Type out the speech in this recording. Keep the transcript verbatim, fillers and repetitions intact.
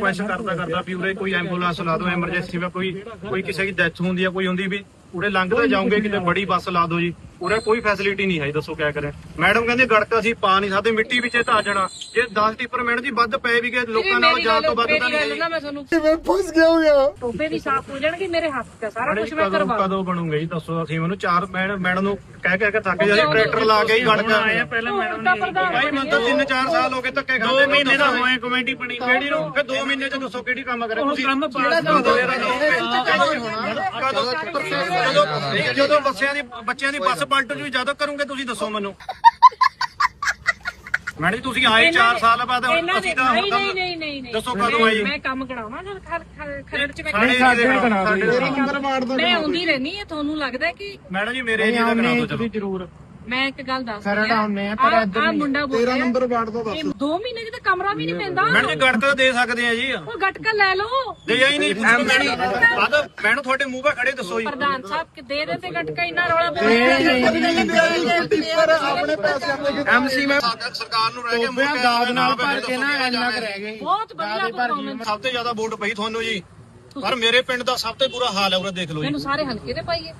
Request ਕਰਦਾ ਕਰਦਾ ਵੀ ਉਰੇ ਕੋਈ ਐਂਬੂਲੈਂਸ ਲਾ ਦਿਓ, ਐਮਰਜੈਂਸੀ ਵਿੱਚ ਕੋਈ ਕੋਈ ਕਿਸੇ ਦੀ ਡੈਥ ਹੁੰਦੀ ਆ, ਕੋਈ ਹੁੰਦੀ ਵੀ ਉਰੇ ਲੰਘਦੇ ਜਾਓਗੇ ਕਿਤੇ ਬੜੀ ਬੱਸ ਲਾ ਦਿਓ ਜੀ। ਉਰੇ ਕੋਈ ਫੈਸਿਲਿਟੀ ਨਹੀਂ ਹੈ, ਦੱਸੋ ਕਿਆ ਕਰੇ। ਮੈਡਮ ਕਹਿੰਦੇ ਗੜਕਾ ਅਸੀਂ ਪਾ ਨਹੀਂ ਸਕਦੇ, ਮਿੱਟੀ ਵਿੱਚ ਧਾ ਜਾਣਾ। ਜੇ ਦਸ ਟਿੱਪਰ ਮੈਡਮ ਜੀ ਵੱਧ ਪਏ ਵੀ ਗਏ ਲੋਕਾਂ ਨਾਲ ਜਾਣ ਤੋਂ ਵੱਧ ਤਾਂ ਨਹੀਂ। ਮੈਂ ਤੁਹਾਨੂੰ ਮੈਂ ਫਸ ਗਿਆ ਹੋਇਆ। ਟੋਪੇ ਵੀ ਸਾਫ਼ ਹੋ ਜਾਣਗੇ, ਮੇਰੇ ਹੱਥ ਤੇ ਸਾਰਾ ਕੁਝ ਮੈਂ ਕਰਵਾ ਕਦੋਂ ਬਣੂਗਾ ਜੀ ਦੱਸੋ। ਅਸੀਂ ਮੈਨੂੰ ਚਾਰ ਮੈਡਮ ਮੈਡਮ ਨੂੰ ਕਹਿ ਕਹਿ ਕੇ ਥੱਕ ਜਾ, ਟਰੈਕਟਰ ਲਾ ਕੇ ਹੀ ਗੜਕਾ ਆਏ ਪਹਿਲਾਂ ਮੈਡਮ ਭਾਈ ਮੈਨੂੰ ਤਾਂ ਤਿੰਨ ਚਾਰ ਸਾਲ ਹੋ ਗਏ ਧੱਕੇ ਖਾਂਦੇ। ਦੋ ਮਹੀਨੇ ਦਾ ਹੋਏ ਕਮੇਟੀ ਬਣੀ ਕਿਹੜੀ ਨੂੰ, ਫਿਰ ਦੋ ਮਹੀਨੇ ਚ ਦੱਸੋ ਕਿਹੜੀ ਕੰਮ ਕਰੇ ਤੁਸੀਂ। ਜਦੋਂ ਬੱਸਿਆਂ ਦੀ ਬੱਚਿਆਂ ਦੀ ਬੱਸ ਪਲਟ ਜੂ ਜਦੋਂ ਕਰੋਗੇ ਤੁਸੀਂ ਦੱਸੋ ਮੈਨੂੰ। ਮੈਡਮ ਜੀ ਤੁਸੀਂ ਆਏ ਚਾਰ ਸਾਲ ਬਾਅਦ, ਅਸੀਂ ਤਾਂ ਨਹੀਂ ਨਹੀਂ ਨਹੀਂ ਨਹੀਂ ਦੱਸੋ ਕਦੋਂ ਆਏ ਜੀ। ਮੈਂ ਕੰਮ ਕਰਾਉਣਾ ਜਦ ਖਰੜ ਚ ਮੈਂ ਸਾਡੇ ਮੈਂ ਆਉਂਦੀ ਰਹਿਣੀ ਹੈ। ਤੁਹਾਨੂੰ ਲੱਗਦਾ ਕਿ ਮੈਡਮ ਜੀ ਮੇਰੇ ਏਰੀਆ ਦਾ ਕਰਾ ਦਿਓ ਚਲੋ ਜ਼ਰੂਰ ਮੈਂ ਇੱਕ ਗੱਲ ਦੱਸ ਖਰੜ ਆਉਂਦੇ ਆ ਪਰ ਇੱਧਰ ਆ ਮੁੰਡਾ ਬੋਲ ਤੇਰਾ ਨੰਬਰ ਵਾਰਡ ਦਾ ਦੱਸ। ਦੋ ਮਹੀਨੇ ਚ ਤਾਂ ਕਮਰਾ ਵੀ ਨਹੀਂ ਪੈਂਦਾ। ਮੈਡਮ ਜੀ ਗੜਕਾ ਦੇ ਸਕਦੇ ਆ ਜੀ। ਉਹ ਗਟਕਾ ਲੈ ਲਓ। ਦੇ ਆਈ ਨਹੀਂ ਮੈਡਮ ਮੈਨੂੰ ਤੁਹਾਡੇ ਮੂੰਹ 'ਤੇ ਖੜੇ ਦੱਸੋ ਜੀ। ਪ੍ਰਧਾਨ ਸਾਹਿਬ ਕਿ ਦੇ ਦੇ ਤੇ ਗਟਕਾ ਇੰਨਾ ਰੌਲਾ ਆਪਣੇ ਪੈਸਿਆਂ ਦੇ ਐਮਸੀ ਮੈਂ ਸਰਕਾਰ ਨੂੰ ਰਹਿ ਕੇ ਟੋਬਿਆਂ ਦਾਦ ਨਾਲ ਭਰ ਕੇ ਨਾ ਇੰਨਾ ਕੁ ਰਹਿ ਗਏ। ਬਹੁਤ ਵਧੀਆ ਪਰਫਾਰਮੈਂਸ। ਸਭ ਤੋਂ ਜ਼ਿਆਦਾ ਵੋਟ ਪਈ ਤੁਹਾਨੂੰ ਜੀ, ਪਰ ਮੇਰੇ ਪਿੰਡ ਦਾ ਸਭ ਤੋਂ ਬੁਰਾ ਹਾਲ ਹੈ ਉਰੇ ਦੇਖ ਲਓ ਜੀ। ਮੈਨੂੰ ਸਾਰੇ ਹਲਕੇ ਦੇ ਪਾਈਏ।